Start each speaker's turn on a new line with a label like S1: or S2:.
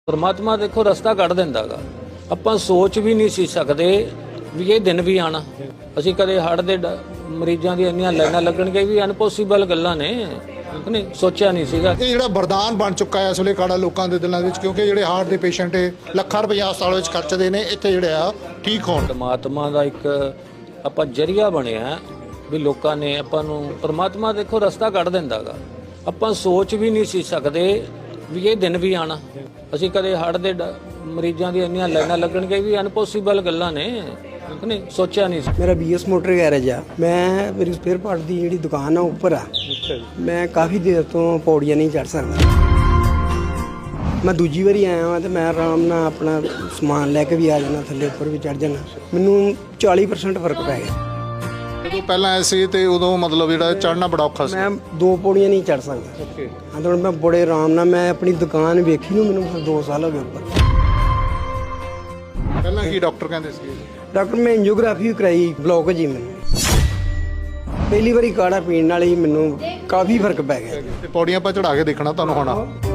S1: परमात्मा देखो रस्ता कढ़ दिंदा गा। ਆਪਾਂ ਸੋਚ ਵੀ ਨਹੀਂ ਸੀ ਸਕਦੇ ਵੀ ਇਹ ਦਿਨ ਵੀ ਆਣਾ। ਅਸੀਂ ਕਦੇ ਹੜ੍ਹ ਦੇ ਮਰੀਜ਼ਾਂ ਦੀ ਇੰਨੀਆਂ ਲਾਈਨਾਂ ਲੱਗਣਗੇ ਵੀ ਅਨਪੋਸੀਬਲ ਗੱਲਾਂ ਨੇ, ਨਹੀਂ ਸੋਚਿਆ ਨਹੀਂ ਸੀਗਾ।
S2: ਇਹ ਜਿਹੜਾ ਵਰਦਾਨ ਬਣ ਚੁੱਕਾ ਹੈ ਇਸ ਵੇਲੇ ਕਾੜਾ ਲੋਕਾਂ ਦੇ ਦਿਲਾਂ ਵਿੱਚ, ਕਿਉਂਕਿ ਜਿਹੜੇ ਹਾਰਟ ਦੇ ਪੇਸ਼ੈਂਟ ਲੱਖਾਂ ਰੁਪਏ ਹਸਪਤਾਲ ਵਿੱਚ ਖਰਚਦੇ ਨੇ, ਇੱਥੇ ਜਿਹੜੇ ਆ ਠੀਕ ਹੋਣ।
S1: ਪਰਮਾਤਮਾ ਦਾ ਇੱਕ ਆਪਾਂ ਜਰੀਆ ਬਣਿਆ ਵੀ ਲੋਕਾਂ ਨੇ ਆਪਾਂ ਨੂੰ, ਪਰਮਾਤਮਾ ਦੇਖੋ ਰਸਤਾ ਕੱਢ ਦਿੰਦਾ ਗਾ। ਆਪਾਂ ਸੋਚ ਵੀ ਨਹੀਂ ਸੀ ਸਕਦੇ ਵੀ ਇਹ ਦਿਨ ਵੀ ਆਣਾ। ਅਸੀਂ ਕਦੇ ਹੜ੍ਹ ਦੇ ਮਰੀਜ਼ਾਂ ਦੀ ਇੰਨੀਆਂ ਲਾਈਨਾਂ ਲੱਗਣਗੇ ਵੀ ਅਨਪੋਸੀਬਲ ਗੱਲਾਂ ਨੇ, ਨਹੀਂ ਸੋਚਿਆ ਨਹੀਂ ਸੀ।
S3: ਮੇਰਾ BS ਮੋਟਰ ਗੈਰੇਜ ਆ। ਮੈਂ ਮੇਰੀ ਸਪੇਅਰ ਪਾਰਟ ਦੀ ਜਿਹੜੀ ਦੁਕਾਨ ਆ ਉੱਪਰ ਆ। ਮੈਂ ਕਾਫੀ ਦੇਰ ਤੋਂ ਪੌੜੀਆਂ ਨਹੀਂ ਚੜ੍ਹ ਸਕਦਾ। ਮੈਂ ਦੂਜੀ ਵਾਰੀ ਆਇਆ ਹਾਂ ਤੇ ਮੈਂ ਆਰਾਮ ਨਾਲ ਆਪਣਾ ਸਮਾਨ ਲੈ ਕੇ ਵੀ ਆ ਜਾਣਾ, ਥੱਲੇ ਉੱਪਰ ਵੀ ਚੜ੍ਹ ਜਾਣਾ। ਮੈਨੂੰ 40% ਫਰਕ ਪੈ ਗਿਆ।
S2: ਜਦੋਂ ਪਹਿਲਾਂ ਆਏ ਸੀ ਤੇ ਉਦੋਂ ਮਤਲਬ ਜਿਹੜਾ ਚੜ੍ਹਨਾ ਬੜਾ ਔਖਾ ਸੀ।
S3: ਮੈਂ 2 ਪੌੜੀਆਂ ਨਹੀਂ ਚੜ੍ਹ ਸਕਦਾ। ਹਾਂ ਤਾਂ ਮੈਂ ਬੜੇ ਆਰਾਮ ਨਾਲ, ਮੈਂ ਆਪਣੀ ਦੁਕਾਨ ਵੇਖੀ ਨੂੰ ਮੈਨੂੰ 2 ਸਾਲ ਹੋ ਗਏ ਉੱਪਰ।
S2: ਪਹਿਲਾਂ ਕੀ ਡਾਕਟਰ ਕਹਿੰਦੇ ਸੀ?
S3: ਡਾਕਟਰ ਮੈਂ ਐਂਜੀਓਗ੍ਰਾਫੀ ਕਰਾਈ, ਬਲੌਕ ਜੀ ਮੈਨੂੰ। ਪਹਿਲੀ ਵਾਰੀ ਕਾੜਾ ਪੀਣ ਨਾਲ ਹੀ ਮੈਨੂੰ ਕਾਫੀ ਫਰਕ ਪੈ ਗਿਆ।
S2: ਤੇ ਪੌੜੀਆਂ 'ਤੇ ਚੜ੍ਹਾ ਕੇ ਦੇਖਣਾ ਤੁਹਾਨੂੰ ਹੋਣਾ।